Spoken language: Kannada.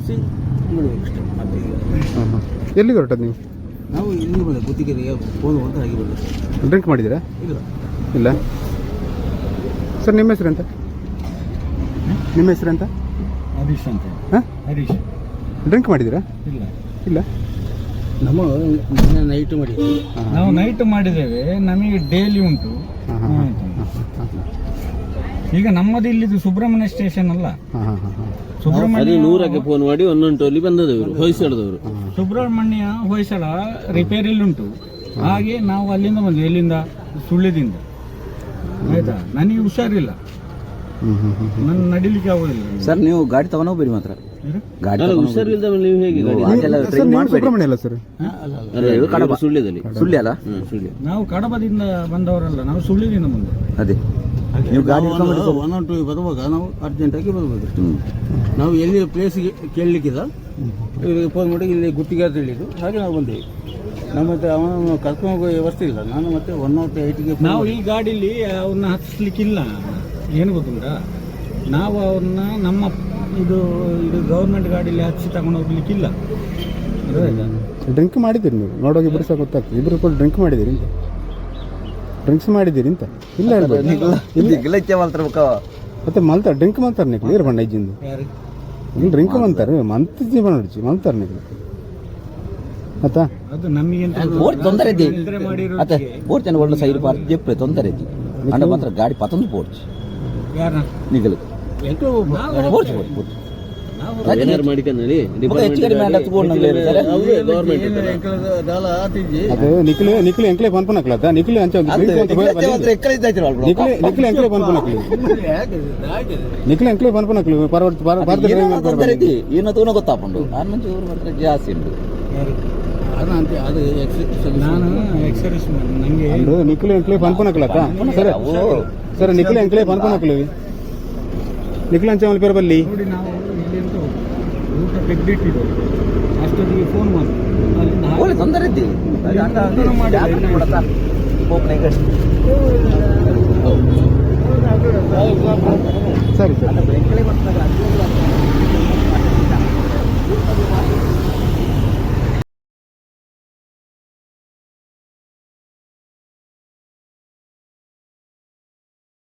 ಮುಗಿಸಿ ಬಿಡಬೇಕಷ್ಟೇ. ಮತ್ತೆ ಹಾಂ ಹಾಂ ಎಲ್ಲಿಗೆ ಹೊರಟದ್ದು ನೀವು? ನಾವು ಇಲ್ಲಿ ಬಂದೆ ಗುತ್ತಿಗೆರೆಗೆ ಫೋನ್ ಅಂತ ಹಾಗೆ ಬಂದೆ. ಡ್ರಿಂಕ್ ಮಾಡಿದ್ದೀರಾ? ಇಲ್ಲ ಇಲ್ಲ ಸರ್. ನಿಮ್ಮ ಹೆಸರು ಎಂತ? ನಿಮ್ಮ ಹೆಸರು ಎಂತ? ಹರೀಶ್ ಅಂತ. ಹಾಂ, ಹರೀಶ್. ಡ್ರಿಂಕ್ ಮಾಡಿದ್ದೀರಾ? ಇಲ್ಲ ಇಲ್ಲ. ನಮ್ಮ ನೈಟ್ ಮಾಡಿದ್ವಿ. ನಾವು ನೈಟ್ ಮಾಡಿದ್ದೇವೆ, ನಮಗೆ ಡೈಲಿ ಉಂಟು. ಹಾಂ ಹಾಂ ಹಾಂ ಈಗ ನಮ್ಮದು ಇಲ್ಲಿದು ಸುಬ್ರಹ್ಮಣ್ಯ ಸ್ಟೇಷನ್ ಅಲ್ಲ. ಹಾಂ ಹಾಂ ಹಾಂ ಹಾಂ ಸುಬ್ರಹ್ಮಣ್ಯ 100ಕ್ಕೆ ಫೋನ್ ಮಾಡಿ 11 ಬಂದದವರು ಹೊಯ್ಸಳದವರು. ಸುಬ್ರಹ್ಮಣ್ಯ ಹೊಯ್ಸಳ ರಿಪೇರಿಯಲ್ಲಿ ಉಂಟು. ಹಾಗೆ ನಾವು ಅಲ್ಲಿಂದ ಬಂದ್ವಿ. ಎಲ್ಲಿಂದ? ಸುಳ್ಳ್ಯದಿಂದ. ಆಯ್ತಾ, ನನಗೆ ಹುಷಾರಿಲ್ಲ, ನನ್ನ ನಡಿಲಿಕ್ಕೆ ಆಗೋದಿಲ್ಲ. ಸರ್ ನೀವು ಗಾಡಿ ತಗೊಂಡು ಹೋಗ್ಬೇಡಿ ಮಾತ್ರ. ಗಾಡಿ ಹುಷಾರಿಲ್ಲದ ನೀವು ಹೇಗೆ ಸರ್ ನೀವು ಸುಬ್ರಹ್ಮಣ್ಯ ಅಲ್ಲ ಸರ್? ಸುಳ್ಳ್ಯದಲ್ಲಿ. ಸುಳ್ಳಿ ಅಲ್ಲ? ಸುಳ್ಯ. ನಾವು ಕಡಬದಿಂದ ಬಂದವರಲ್ಲ, ನಾವು ಸುಳ್ಳ್ಯದಿಂದ ಬಂದ. ಅದೇ ನೀವು ಗಾಡಿ 112 ಬರುವಾಗ ನಾವು ಅರ್ಜೆಂಟಾಗಿ ಬರಬೇಕು. ನಾವು ಎಲ್ಲಿ ಪ್ಲೇಸ್ಗೆ ಕೇಳಲಿಕ್ಕಿಲ್ಲ, ಇವರಿಗೆ ಫೋನ್ ಮಾಡಿ ಇಲ್ಲಿ ಗುತ್ತಿಗೆ ಅಂತ ಹೇಳಿದ್ದು. ಹಾಗೆ ನಾವು ಬಂದೇವೆ. ನಮ್ಮ ಹತ್ರ ಅವನು ಕರ್ಕೊಂಡು ಹೋಗೋ ವ್ಯವಸ್ಥೆ ಇಲ್ಲ. ನಾನು ಮತ್ತೆ 108ಗೆ ನಾವು ಈ ಗಾಡೀಲಿ ಅವ್ರನ್ನ ಹತ್ತಿಸ್ಲಿಕ್ಕಿಲ್ಲ. ಏನು ಗೊತ್ತುಂಟಾ, ನಾವು ಅವ್ರನ್ನ ನಮ್ಮ ಇದು ಗೌರ್ಮೆಂಟ್ ಗಾಡೀಲಿ ಹಚ್ಚಿ ತಗೊಂಡು ಹೋಗ್ಲಿಕ್ಕಿಲ್ಲ. ಡ್ರಿಂಕ್ ಮಾಡಿದ್ದೀರಿ ನೀವು? ನೋಡೋಗಿ ಇಬ್ಬರು ಸಹ ಗೊತ್ತಾಗ್ತದೆ. ಇಬ್ಬರು ಕೂಡ ಡ್ರಿಂಕ್ ಮಾಡಿದ್ದೀರಿ ಅಂತ? ಡ್ರಿಂಕ್ಸ್ ಮಾಡಿದ್ದೀರಿ ಅಂತ? ಇಲ್ಲ ಮತ್ತೆ ಮಲ್ತಾರೆ ಡ್ರಿಂಕ್ ಮಾಡ್ತಾರೆ ನೀವು? ನೀರು ಬಣ್ಣ ಇಜ್ಜಿಂದು ಇಲ್ಲಿ ಡ್ರಿಂಕ್ ಮಾಡ್ತಾರೆ, ಮಂತ್ ಜೀವನ ನಡಿಸಿ ಮಾಡ್ತಾರೆ ನೀವು ಆಯ್ತಾ? ಅದು ನಮಗೆ ತೊಂದರೆ ಇದೆ. ಬೋರ್ಡ್ ಜನ ಒಳ್ಳೆ ಸೈಡ್ ಪಾರ್ಕ್ ಜೆಪ್ಪೆ ತೊಂದರೆ ಇದೆ. ಅಂಡ ಮಾತ್ರ ಗಾಡಿ ಪತ್ತೊಂದು ಬೋರ್ಡ್ ಯಾರ ನಿಗಲು ಅದು ನಿಖಿಲ್ ಎಂಕ್ಲೆ ಪನ್ಪನಕ್ಲತ್ತ ನಿಖಿಲ್ ಅಂಚ ನಿಖಿಲ್ ಎಂಕ್ಲೆ ಪನ್ಪನಕ್ಲಿ ನಿಖಿಲ್ ಎಂಕ್ಲೆ ಪನ್ಪನಕ್ಲಿ ಏನೋ ತೋನ ಗೊತ್ತಾಪುಂಡು ಜಾಸ್ತಿ ಉಂಟು. ನಾನು ಎಕ್ಸರ್ಸೈಸ್ ನಂಗೆ ನಿಖಿಲ್ ಎಂಕ್ಲೆ ಪನ್ಪನಕ್ಲತ್ತ ಸರ್. ಸರ್ ನಿಖಿಲ್ ಎಂಕ್ಲೆ ಪನ್ಪನಕ್ಲಿ ನಿಖಿಲ್ ಅಂಚ ಮಲ್ ಪೇರು ಬಲ್ಲಿ ನೋಡಿ. ನಾವು ಇಲ್ಲಿಂದ ಊಟ ತೆಗ್ದಿಟ್ಟಿದ್ದು ಅಷ್ಟೊತ್ತಿಗೆ ಫೋನ್ ಮಾಡಿ ಒಳ್ಳೆ ತೊಂದರೆ ಇದ್ದಿ ಸರಿ ಸರ್.